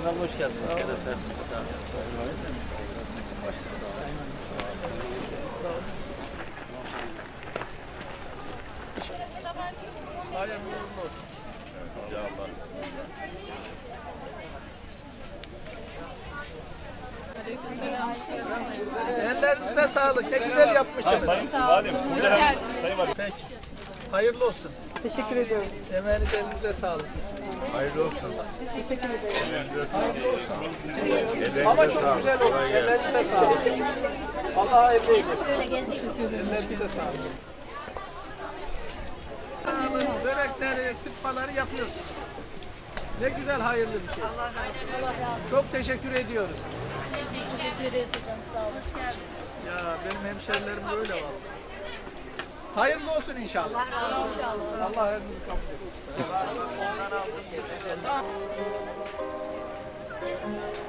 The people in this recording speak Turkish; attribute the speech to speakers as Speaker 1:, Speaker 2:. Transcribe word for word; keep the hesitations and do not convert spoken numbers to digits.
Speaker 1: abi hoş geldiniz. Şeref verdiniz. Sağ olun. Başka sağ olun.
Speaker 2: Hayırlı uğurlu olsun.
Speaker 1: Ya Allah.
Speaker 2: Ellerinize sağlık. Ne güzel yapmışsınız.
Speaker 1: Sayın Valim.
Speaker 3: Hoş geldiniz.
Speaker 1: Sayın Valim.
Speaker 2: Peki. Hayırlı olsun.
Speaker 4: Teşekkür ediyoruz.
Speaker 2: Emeğiniz elinize sağlık.
Speaker 1: Hayırlı olsun.
Speaker 4: Teşekkür ederim.
Speaker 2: Ama çok güzel oldu. Ellerinize sağlık. Allah hayırlı eylesin. Ellerinize sağlık. Börekleri, sıkmaları yapıyorsunuz. Ne güzel hayırlı bir şey.
Speaker 3: Allah razı olsun.
Speaker 2: Çok teşekkür ediyoruz.
Speaker 3: Teşekkür ederiz hocam. Sağ olun. Hoş geldiniz.
Speaker 2: Ya benim hemşerilerim böyle var. Hayırlı olsun inşallah.
Speaker 3: Allah razı olsun. İnşallah.
Speaker 2: Allah hepinizi kabul etsin.